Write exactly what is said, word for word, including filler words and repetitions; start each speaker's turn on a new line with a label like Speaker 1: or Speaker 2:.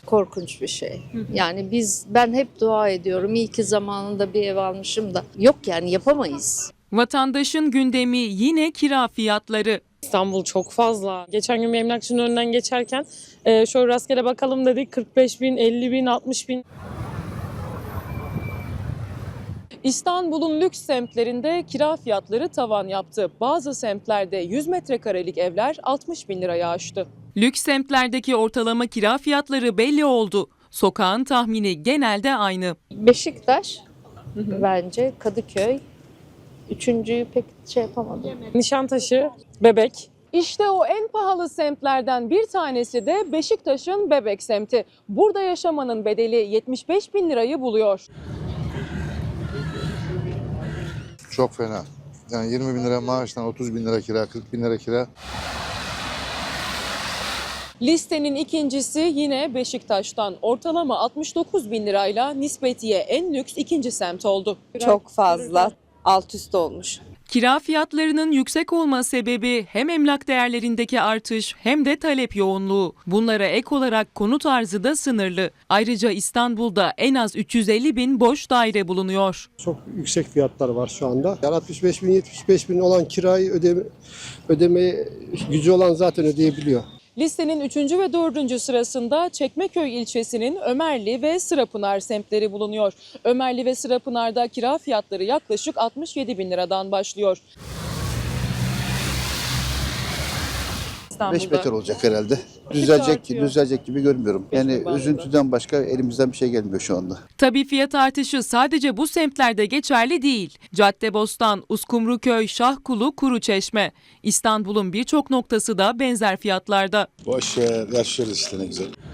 Speaker 1: korkunç bir şey. Yani biz ben hep dua ediyorum. İyi ki zamanında bir ev almışım da. Yok yani yapamayız.
Speaker 2: Vatandaşın gündemi yine kira fiyatları.
Speaker 3: İstanbul çok fazla. Geçen gün bir emlakçının önünden geçerken e, şöyle rastgele bakalım dedik. kırk beş bin, elli bin, altmış bin. İstanbul'un lüks semtlerinde kira fiyatları tavan yaptı. Bazı semtlerde yüz metrekarelik evler altmış bin liraya aştı.
Speaker 2: Lüks semtlerdeki ortalama kira fiyatları belli oldu. Sokağın tahmini genelde aynı.
Speaker 1: Beşiktaş bence, Kadıköy. Üçüncüyü pek şey yapamadım.
Speaker 3: Nişantaşı, Bebek. İşte o en pahalı semtlerden bir tanesi de Beşiktaş'ın Bebek semti. Burada yaşamanın bedeli yetmiş beş bin lirayı buluyor.
Speaker 4: Çok fena. Yani yirmi bin lira maaştan otuz bin lira kira, kırk bin lira kira.
Speaker 3: Listenin ikincisi yine Beşiktaş'tan. Ortalama altmış dokuz bin lirayla nispetiye en lüks ikinci semt oldu.
Speaker 5: Çok fazla, alt üst olmuş.
Speaker 2: Kira fiyatlarının yüksek olma sebebi hem emlak değerlerindeki artış hem de talep yoğunluğu. Bunlara ek olarak konut arzı da sınırlı. Ayrıca İstanbul'da en az üç yüz elli bin boş daire bulunuyor.
Speaker 6: Çok yüksek fiyatlar var şu anda. Yani altmış beş bin, yetmiş beş bin olan kirayı ödeme, ödemeye gücü olan zaten ödeyebiliyor.
Speaker 3: Listenin üçüncü ve dördüncü sırasında Çekmeköy ilçesinin Ömerli ve Sırapınar semtleri bulunuyor. Ömerli ve Sırapınar'da kira fiyatları yaklaşık altmış yedi bin liradan başlıyor.
Speaker 7: Beş beter olacak herhalde. Düzelecek,
Speaker 3: artıyor.
Speaker 7: düzelecek gibi görmüyorum. Yani
Speaker 3: bazında.
Speaker 7: üzüntüden başka elimizden bir şey gelmiyor şu anda.
Speaker 2: Tabii fiyat artışı sadece bu semtlerde geçerli değil. Caddebostan, Uskumruköy, Şahkulu, Kuruçeşme. İstanbul'un birçok noktası da benzer fiyatlarda.
Speaker 8: Boş ver, yaşıyoruz işte ne güzel.